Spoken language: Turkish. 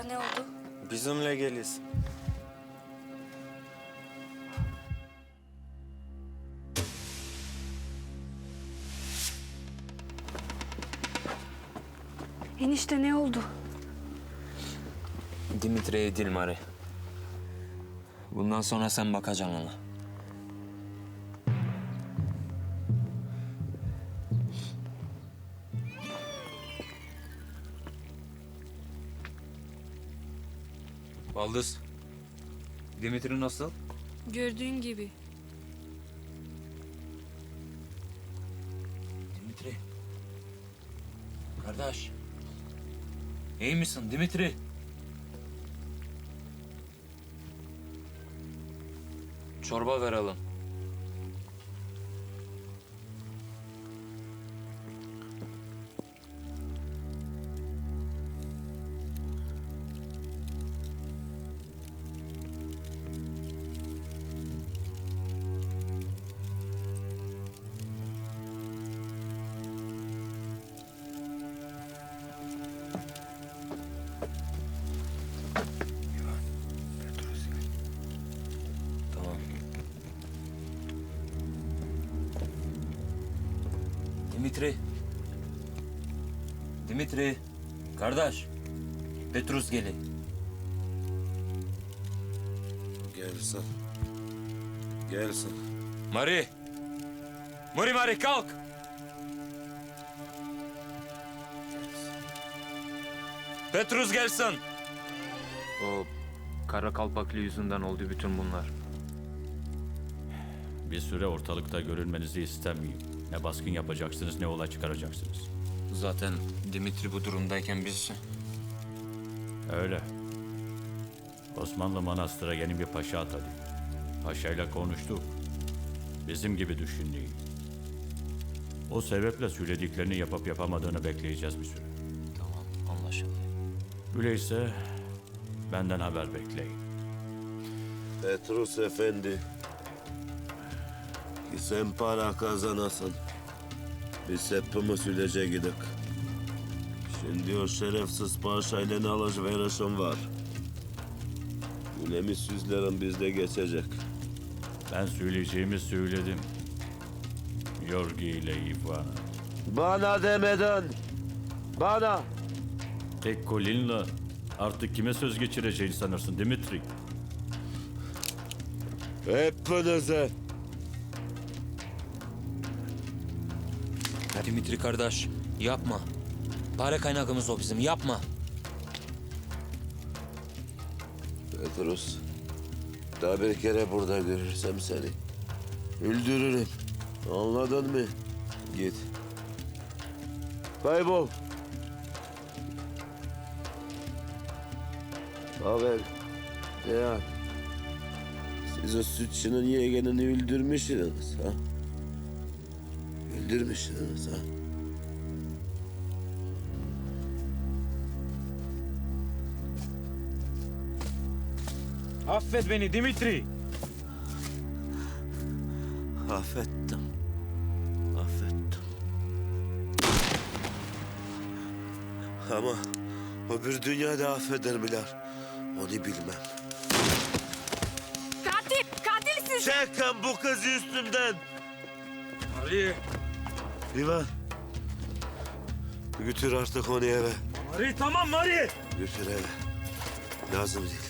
ne oldu? Bizimle geliyorsun. Enişte ne oldu? Dimitri'ye Dilmar'ı. Bundan sonra sen bakacaksın ona. Baldız, Dimitri nasıl? Gördüğün gibi. Dimitri. Kardeş. İyi misin Dimitri? Çorba verelim. Tamam. Dimitri. Dimitri. Kardeş. Petrus geli. Gelsin. Gelsin. Mari. Mari kalk. Petrus gelsin. O kara kalpaklı yüzünden oldu bütün bunlar. Bir süre ortalıkta görünmenizi istemiyorum. Ne baskın yapacaksınız ne olay çıkaracaksınız. Zaten Dimitri bu durumdayken biz... Öyle. Osmanlı Manastır'a yeni bir paşa atadı. Paşayla konuştuk. Bizim gibi düşündüğü. O sebeple söylediklerini yapıp yapamadığını bekleyeceğiz bir süre. Tamam, anlaşıldı. Öyleyse benden haber bekleyin. Petrus Efendi. Ki sen para kazanasın. Biz hepimiz sülece gidik. Şimdi o şerefsiz paşayla ne alışverişim var. Ülemi süzlerin bizde geçecek. Ben söyleyeceğimi söyledim. Yorgi ile Ivana. Bana demeden. Bana. Tek kolinle artık kime söz geçireceğini sanırsın Dimitri? Hepinize. Dimitri kardeş, yapma. Para kaynağımız o bizim, yapma. Petrus. Daha bir kere burada görürsem seni öldürürüm. Anladın mı? Git. Kaybol. Haber. Deyan. Siz o sütçünün yeğenini öldürmüşsünüz ha? Öldürmüşsünüz ha? Affet beni Dimitri. Affettim. Affettim. Ama öbür dünyada affeder miler? Onu bilmem. Katilsin! Çekin bu kızı üstümden. Mari, İvan. Götür artık onu eve. Mari tamam Mari. Götür eve. Lazım değil.